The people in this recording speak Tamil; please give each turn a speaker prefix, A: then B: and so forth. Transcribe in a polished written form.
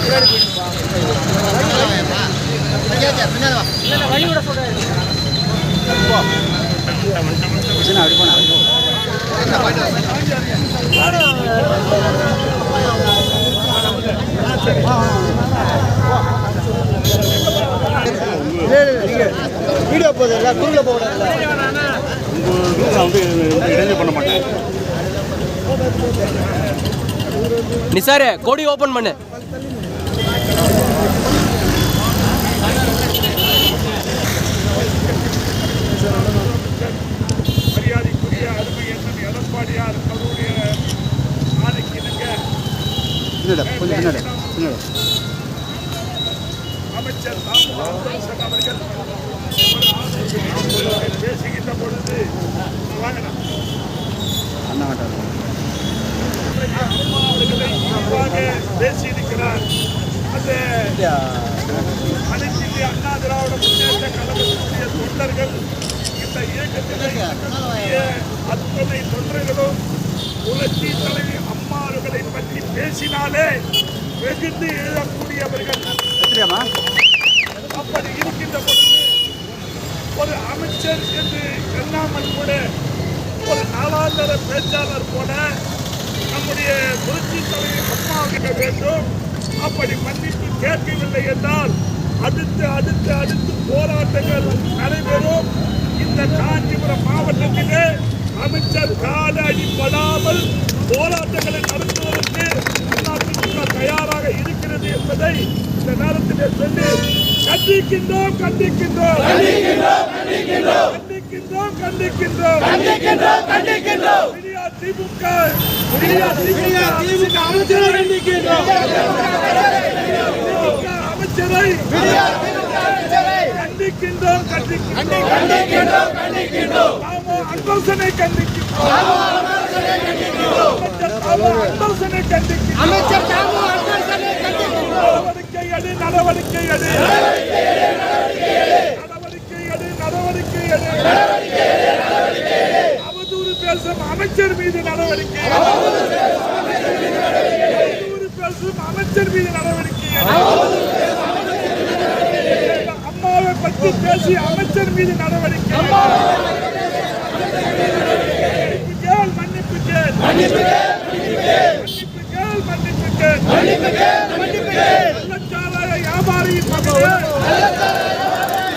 A: வீடியோ போதில்ல குரூப்ல போகல இடைஞ்சல் பண்ண மாட்டேன்.
B: நிசாரே கோடி ஓபன் பண்ணு.
C: மரியாதைக்குரிய அருமை எண்ணம் எடப்பாடியார் அவருடைய ஆணைக்கு அமைச்சர் அவர்கள் பேசுகின்ற பொழுது அவர்களை பேசியிருக்கிறார். அந்த அனைத்து இந்திய அண்ணா திராவிட முன்னேற்ற கழகத்தினுடைய தொண்டர்கள் இந்த இயக்கத்திலே அத்தனை தொண்டர்களும் புரட்சி தலைவி அம்மா அவர்களை பற்றி பேசினாலே வெகுந்து எழுதக்கூடியவர்கள். அப்படி இருக்கின்ற பொழுது ஒரு அமைச்சர் என்று எண்ணாமல் கூட ஒரு நாளாந்தர பேச்சாளர் போல நம்முடைய புரட்சி தலைவி அம்மா கேட்க வேண்டும். அப்படி மன்னிப்பு கேட்கவில்லை என்றால் அடுத்து போராட்டங்கள் நடைபெறும். இந்த காஞ்சிபுரம் மாவட்டத்திலே அமைச்சர் கால அடிப்படாமல் போராட்டங்களை நடத்துவதற்கு அதிமுக தயாராக இருக்கிறது என்பதை இந்த நேரத்திலே சொல்லி கண்டிக்கின்றோம். திமுக அமைச்சரை கண்டிக்கின்றோம். அன்பரசனை நடவடிக்கை எடு. அவதூறு பேசும் அமைச்சர் மீது நடவடிக்கை. அம்மாவை பற்றி பேசி அமைச்சர் மீது நடவடிக்கை.